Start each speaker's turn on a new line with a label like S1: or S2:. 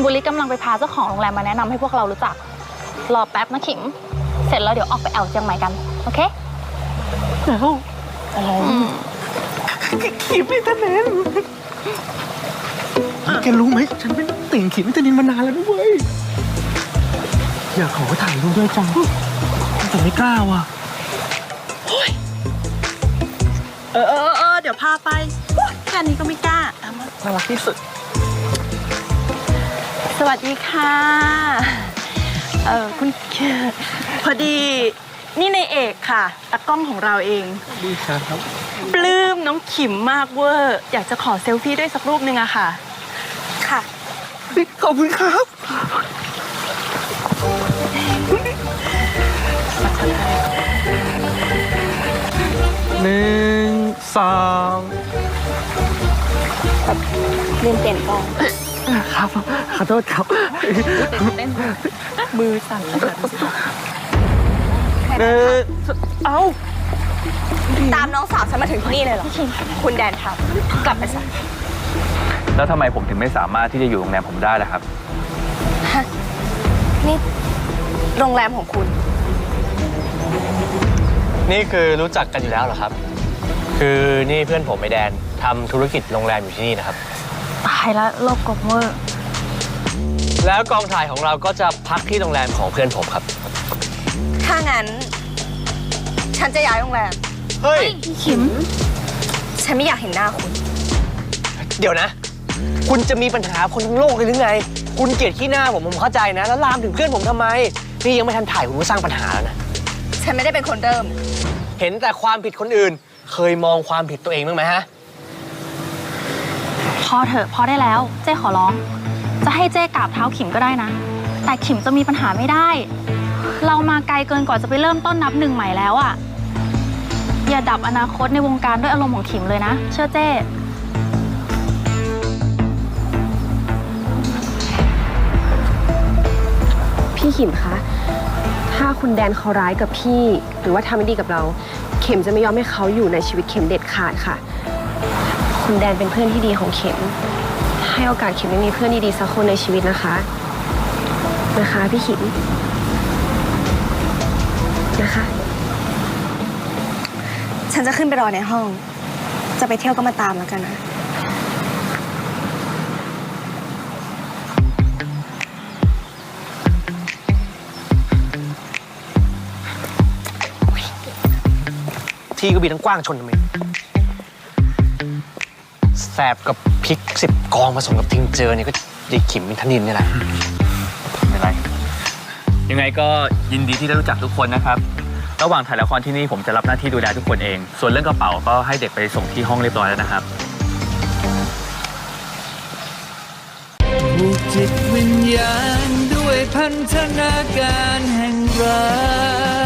S1: บุริกำลังไปพาเจ้าของโรงแรมมาแนะนำให้พวกเรารู้จักรอแป๊บนะขิมเสร็จแล้วเดี๋ยวออกไปแอวเจียงใหม่กันโอเค
S2: แล้วอะไรขิมอินเทอร์เน็ตแกรู้ไหมฉันเป็นติ่งขิมอินเทอร์เน็ตมานานแล้วนะเว้ยอยากขอถ่ายรูปด้วยจังแต่ไม่กล้าว่ะ
S3: เดี๋ยวพาไปแค่นี้ก็ไม่กล้า
S2: น่ารักที่สุด
S3: สวัสดีค่ะคุณพอดีนี่ในเอกค่ะตากล้องของเราเอง
S2: ดีครับ
S3: ปลื้มน้องขิมมากเวอร์อยากจะขอเซลฟี่ด้วยสักรูปนึงอะค่ะค่ะ
S2: ขอบคุณครับ1 2
S1: ลืมเปลี่ยนกล้อง
S2: ครับขอโทษครับ
S1: เต้น
S3: มือสั่นขนาดนี้
S2: เอา
S3: ตามน้องสาวฉันมาถึงที่นี่เลยเหรอคุณแดนครับกลับไปซะ
S4: แล้วทำไมผมถึงไม่สามารถที่จะอยู่โรงแรมผมได้ล่ะครับ
S3: นี่โรงแรมของคุณ
S5: นี่คือรู้จักกันอยู่แล้วเหรอครับคือนี่เพื่อนผมไอแดนทำธุรกิจโรงแรมอยู่ที่นี่นะครับ
S1: ตายแล้วโลกกบเวอร์
S5: แล้วกองถ่ายของเราก็จะพักที่โรงแรมของเพื่อนผมครับ
S3: ถ้างั้นฉันจะย้ายโรงแรม
S5: เฮ้ย
S1: พี่ขิม
S3: ฉันไม่อยากเห็นหน้าคุณ
S5: เดี๋ยวนะคุณจะมีปัญหาคนทั้งโลกเลยหรือไงคุณเกลียดขี้หน้าผมเข้าใจนะแล้วลามถึงเพื่อนผมทำไมนี่ยังไม่ทันถ่ายคุณก็สร้างปัญหาแล้วนะ
S3: ฉันไม่ได้เป็นคนเริ่ม
S5: เห็นแต่ความผิดคนอื่นเคยมองความผิดตัวเองบ้างไหมฮะ
S1: พอเถอะพอได้แล้วเจ้ขอร้องจะให้เจ้กราบเท้าขิมก็ได้นะแต่ขิมจะมีปัญหาไม่ได้เรามาไกลเกินกว่าจะไปเริ่มต้นนับหนึ่งใหม่แล้วอ่ะอย่าดับอนาคตในวงการด้วยอารมณ์ของขิมเลยนะเชื่อเจ้
S6: พี่ขิมคะถ้าคุณแดนเขาร้ายกับพี่หรือว่าทำไม่ดีกับเราเข็มจะไม่ยอมให้เขาอยู่ในชีวิตเข็มเด็ดขาดค่ะคุณแดนเป็นเพื่อนที่ดีของเข็มให้โอกาสเข็มได้มีเพื่อนดีๆสักคนในชีวิตนะคะพี่ขิมนะคะ
S3: ฉันจะขึ้นไปรอในห้องจะไปเที่ยวก็มาตามแล้วกันนะ
S5: ที่ก็มีทั้งกว้างชนทำไมแสบกับพริก10 กองผสมกับทิงเจอเนี่ยก็ยายขิมเป็นธนินนี่แหละ
S4: ไม่เป็นไรยังไงก็ยินดีที่ได้รู้จักทุกคนนะครับระหว่างถ่ายละครที่นี่ผมจะรับหน้าที่ดูแลทุกคนเองส่วนเรื่องกระเป๋าก็ให้เด็กไปส่งที่ห้องเรียบร้อยแล้วนะครับ
S7: ผูกจิตวิญญาณด้วยพันธนาการแห่งรัก